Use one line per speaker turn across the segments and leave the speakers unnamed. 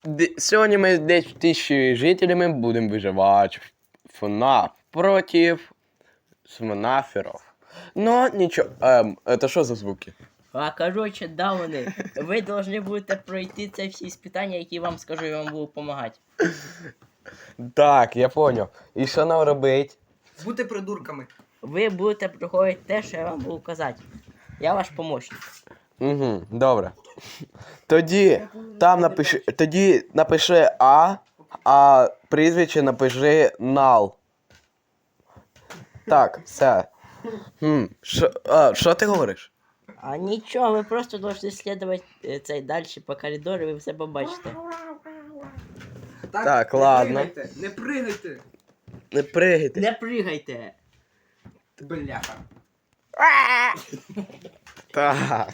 Сьогодні ми з 10 тисяч жителями будемо виживати в FNAF против СМНАФеров. Но нічого. Это що за звуки?
А короче, дауни, ви повинні будете пройти ці всі іспитання, які вам скажу, я вам буду допомагати.
Так, я понял. І що нам робить?
Бути придурками.
Ви будете проходити те, що я вам буду казати. Я ваш помощник.
Угу, добре. Тоді напиши а прізвище напиши Нал. Так, все. Що ти говориш?
А нічого, ви просто повинні слідувати цей далі по коридору, і ви все побачите.
Так, ладно.
Не пригайте.
Не пригайте.
Не пригайте!
Бляха.
Так.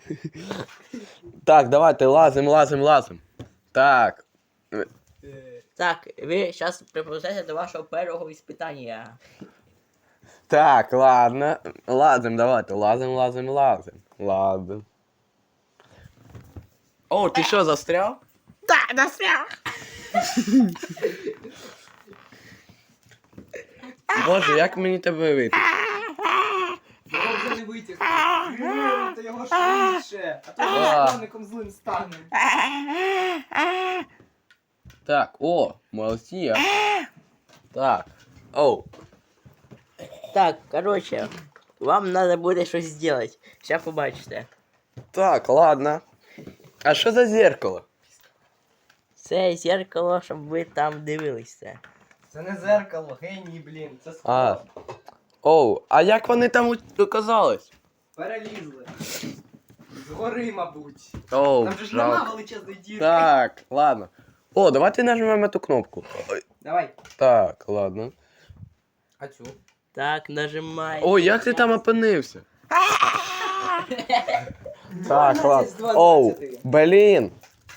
Так, давайте лазим. Так.
Так, ви зараз приповзете до вашого першого іспитання.
Так, ладно. Лазим, давайте. Лазим. О, ти що, застряв?
Так, настрял!
Боже, як мені тебе вийти?
Його вже не витягти. Та його швидше. А то
А.
наставником злим стане.
Так, о, молодці. Так. Оу.
Так, короче, вам надо буде щось зробити. Сейчас побачите.
Так, ладно. А що за зеркало?
Це зеркало, щоб ви там дивилися.
Це не зеркало, геній, блін. Це
А.
скло.
Оу, а як вони там оказались?
Перелізли. Згори, мабуть.
Оу,
Там же ж нема
жалко.
величезної дірки.
Так, ладно. О, давайте нажмемо эту кнопку. Ой,
Давай.
так, ладно.
А цю?
Так, нажимай.
Ой, як ти там опинився? Так,
12 з
ладно.
12.
Оу, блін.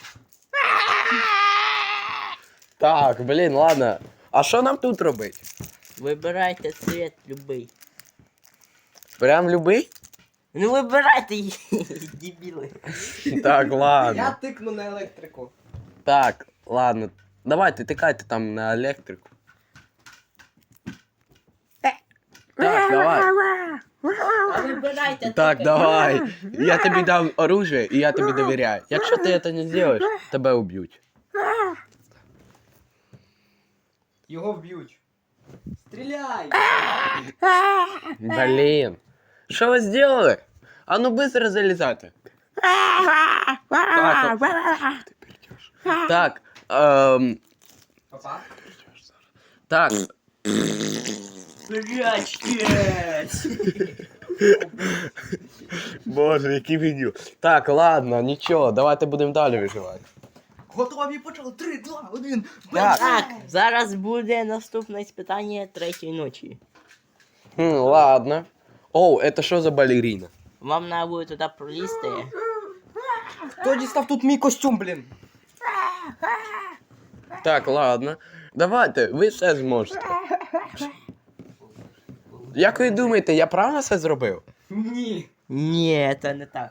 Так, блін, ладно. А що нам тут робити?
Вибирайте цвет любий.
Прям любий?
Ну вибирайте, дебіли.
Так,
Я
ладно.
тикну на електрику.
Так, ладно. Давайте, тикайте там на електрику. Так, давай.
А вибирайте
Так,
таке.
давай. Я тобі дам оружие, і я тобі довіряю. Якщо ти це не зробиш, тебе уб'ють.
Його вб'ють. Стріляй!
Блін. Що ви зробили? А ну быстро залізайте. Так, ти прийдеш. Так,
Папа?
так.
Прячьтесь!
Боже, який відео. Так, ладно, нічого, давайте будемо далі виживати.
Готові почали. 3, 2, 1.
Так.
Так, зараз буде наступне іспитання третьої ночі.
Ладно. Оу, это що за балерина?
Вам треба буде туди пролізти.
Хто дістав тут мій костюм, блін?
Так, ладно. Давайте, ви все зможете. Як ви думаєте, я правильно все зробив?
Ні.
Ні, це не так.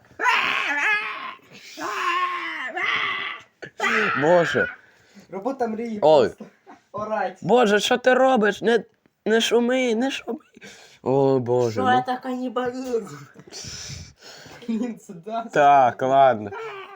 Боже.
Робота мрії.
Ой.
просто. Орать.
Боже, що ти робиш? Не шуми. О, Боже.
Що
Ну.
це канібалізм?
Блін, це да.
Так, ладно.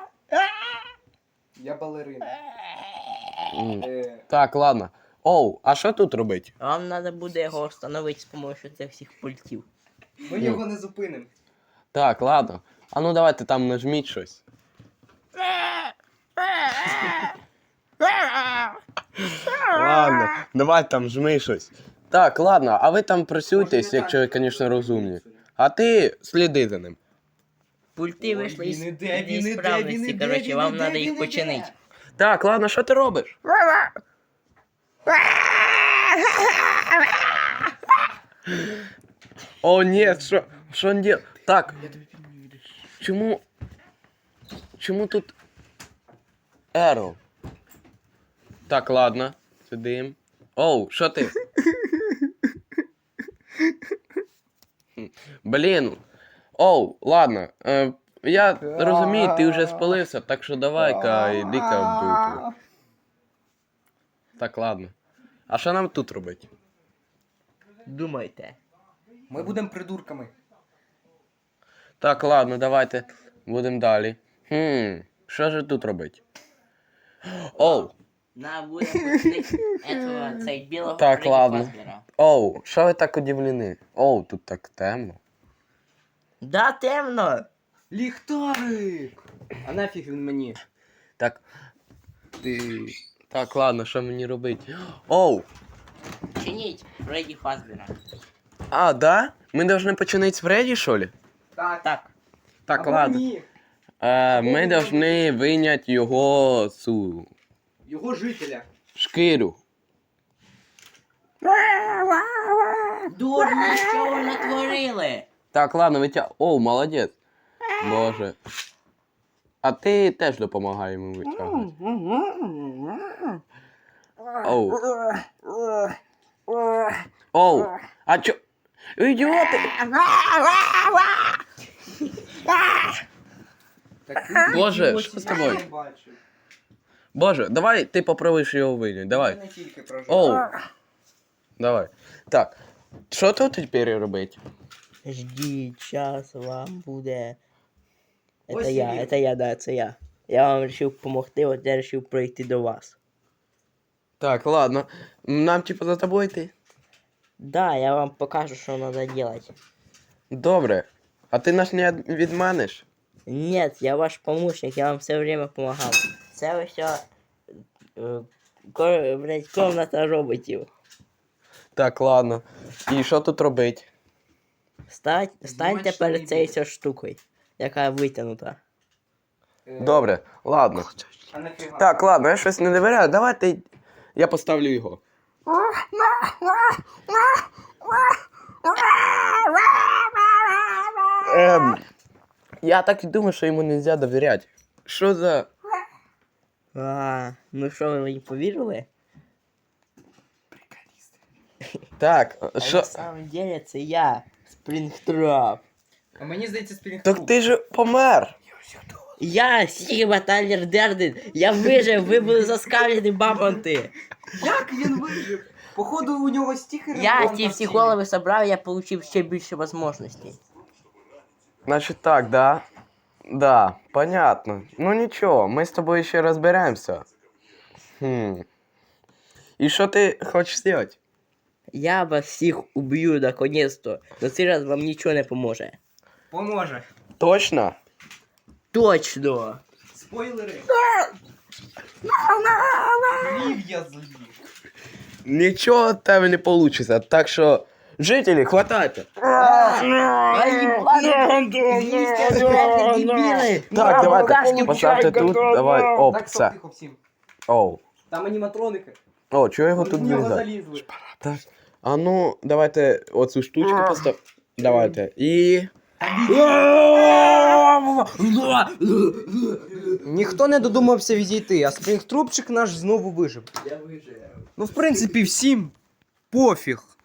Я балерина.
М.
Е,
Так, ладно. Оу, а що тут робити?
Вам треба буде його встановити з допомогою цих всіх пультів.
Ми його не зупинимо.
Так, ладно. А ну давайте там нажміть щось. Ладно, давай там жми щось. Так, ладно, а ви там працюйтесь, якщо ви, звісно, розумні. А ти сліди за ним.
Пульти
Ой,
вийшли
він
із
іде, він іде,
справності,
він іде,
коротше,
він
вам
іде,
треба
він
їх
іде.
починити.
Так, ладно, що ти робиш? О, ні, що він діє? Так. Чому тут Ерл? Так, ладно, сидим. Оу, що ти? Блін. Оу, ладно. Я розумію, ти вже спалився, так що давай-ка, іди-ка в дупу. Так, ладно. А що нам тут робити?
Думайте.
Ми будемо придурками.
Так, ладно, давайте будемо далі. Що ж тут робити? Оу,
Нам буде пустити этого, цей білого
Так,
Фредді
ладно.
Фазбера.
оу, що ви так удивлені? Оу, тут так темно.
Да, темно.
Ліхтарик! А нафіг він мені?
Так. Ти. Так, ладно, що мені робити? Оу!
Чиніть Фредді Фазбера.
А, да? Мы должны починить с Фредди, что ли?
Так.
Так.
Так,
Або
ладно.
ні.
Ми должны виняти його цю
Його жителя.
шкіру.
Дурні, що ви натворили?
Так, ладно, витяг. О, молодець. Боже. А ти теж допомагай йому витягувати. Оу. Оу. А чо? Ідіоти!
Так,
Боже,
ідіотів
що з тобою?
я не бачив.
Боже, давай ти попробуєш його вийняти. Давай.
Я не тільки прожив.
Оу. Давай. Так. Що тут тепер робити?
Ждіть, час вам буде.
Ось
Це
і
я,
він.
це я, да, це я. Я вам вирішив допомогти, от я вирішив пройти до вас.
Так, ладно. Нам типа за тобою йти?
Да, я вам покажу, що треба робити.
Добре. А ти нас не відманиш?
Нет, я ваш помощник, я вам все время помогал. Це все, блядь, комната роботів.
Так, ладно. І що тут робити?
Станьте
Знімати
перед
штани
цією
буде.
цією штукою, яка витягнута.
Добре, ладно.
А нафіга?
Так, ладно, я щось не довіряю. Давайте я поставлю його. Я так і думаю, що йому не можна довіряти. Що за.
Ну що, ви мені повірили?
Так,
А
що.
на самом деле це я, Спрінгтроп.
А мені здається, спрінг.
Так ти ж помер.
Я Сігма Тайлер Дерден, я вижив, ви були заскавлені бабонти.
Як він вижив? Походу у нього стікери.
Я
вон
ті
там
всі
всі.
голови собрав, я отримав ще більше можливостей.
Значить так, да? Да, понятно. Ну нічого, ми з тобою ще розберемося. І що ти хочеш зробити?
Я вас всіх уб'ю наконец-то, но цей раз вам нічого не поможе.
Поможе.
Точно?
Точно!
Спойлери. Злів я злів.
Нічого в тебе не вийде, так що, жителі, хватайте. Так, давайте, поставте тут, давай, оп,
Так,
все.
стоп, тихо всім.
Оу.
Там аніматроники.
О, чого його
Вони
тут
в нього
вирізати?
залізли.
Так. А ну, давайте оцю штучку постав. Давайте. І.
Ніхто не додумався відійти, а спрінгтрупчик наш знову вижив.
Я вижив.
Ну, в принципі, всім пофіг.